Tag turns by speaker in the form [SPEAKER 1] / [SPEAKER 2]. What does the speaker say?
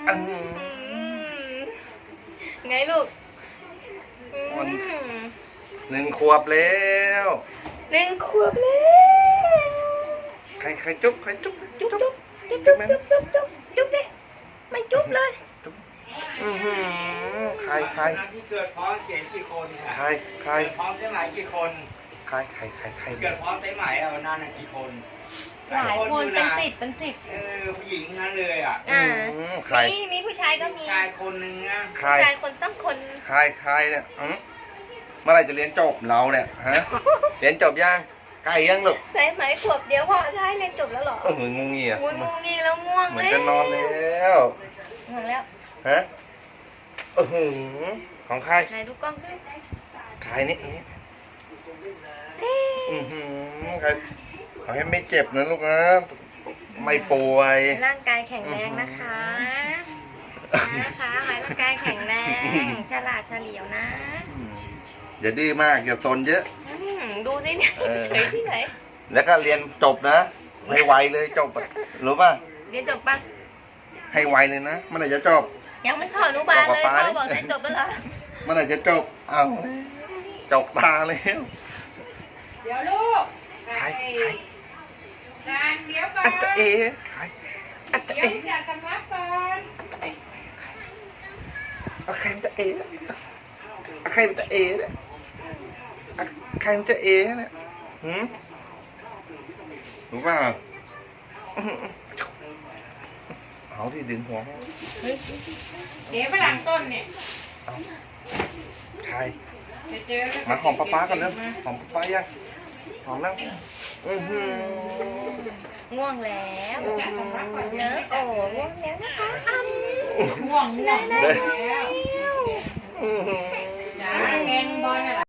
[SPEAKER 1] ไงลูก
[SPEAKER 2] 1 ขวบแล้ว
[SPEAKER 1] 1 ขวบแล้ว
[SPEAKER 2] ใครจุ๊บ
[SPEAKER 1] จุ๊บจุ๊บจุ๊บจุ๊บจุ๊บจุ๊บจุ๊บจุ๊บดิไม่จุ๊บเลย
[SPEAKER 2] ใคร
[SPEAKER 3] ที่เกิดพร้อมเจ็ดกี่คน
[SPEAKER 2] ใคร
[SPEAKER 3] พร้อมเต้ไหมกี่คน
[SPEAKER 2] ใคร
[SPEAKER 3] เกิดพร้อมเต้ไหมวันนั้นกี่คน
[SPEAKER 1] หลายคนเป็น10
[SPEAKER 3] ผู้หญิงนั้นเลยอ่ะ
[SPEAKER 2] ใคร
[SPEAKER 1] มีผู้ชายก็มี
[SPEAKER 3] ชายคนหนึ่งนะ
[SPEAKER 1] ผู้ชายคนต้องคน
[SPEAKER 2] ใครเนี่ยเมื่อไรจะเรียนจบเราเนี่ยฮะเรียนจบยังใกล้ยังลูก
[SPEAKER 1] ใช่ไหมขวบเดียวพอได้เรียนจบแล้วหรอ
[SPEAKER 2] งูงี้อ่ะ
[SPEAKER 1] งูงี้แล้วง่วง
[SPEAKER 2] เหมือนจะนอนแล้ว
[SPEAKER 1] ง่วงแล้ว
[SPEAKER 2] ฮะของใคร
[SPEAKER 1] ไหนดูกล้องด้วย
[SPEAKER 2] ใครนี่ใครขอให้ไม่เจ็บนะลูกนะไม่ป่วย
[SPEAKER 1] ร่างกายแข็งแรงนะคะหมายร่างกายแข็งแรงฉลาดเฉลียวนะ
[SPEAKER 2] อย่าดื้อมากอย่าซนเยอะ
[SPEAKER 1] ดูสิเนี่ยเฉยที่ไหน
[SPEAKER 2] แล้วก็เรียนจบนะให้ไวเลยจบรู้ป่ะ
[SPEAKER 1] เรียนจบป่ะ
[SPEAKER 2] ให้ไวเลยนะเมื่อไหร่จะจบ
[SPEAKER 1] ยังไม่เข้าอนุบาลเลยพ่อบอกได้จบแล้วเหรอ
[SPEAKER 2] เมื่อไหร่จะจบเอาจบตาแล้ว
[SPEAKER 4] เดี๋ยวลูก
[SPEAKER 2] ใคร
[SPEAKER 4] เดี๋ยวก่อน
[SPEAKER 2] อัตเอ
[SPEAKER 4] เดี๋ยวอยากสำนักก่อน
[SPEAKER 2] เอาใครมันจะเอเอาใครมันจะเอเนี่ยใครมันจะเอเนี่ยรู้ป่ะเอาที่ดึงหัว
[SPEAKER 4] เดี๋ยวฝรั่งต้นเนี่ย
[SPEAKER 2] ใครมาหอมป้ากันเร็วหอมป้ายังหอมแล้ว
[SPEAKER 1] ง่วงแล้วเนอะโอ้ง่วงแล้วนะคะ
[SPEAKER 4] ง่วงแล้วจ้าแกงบอล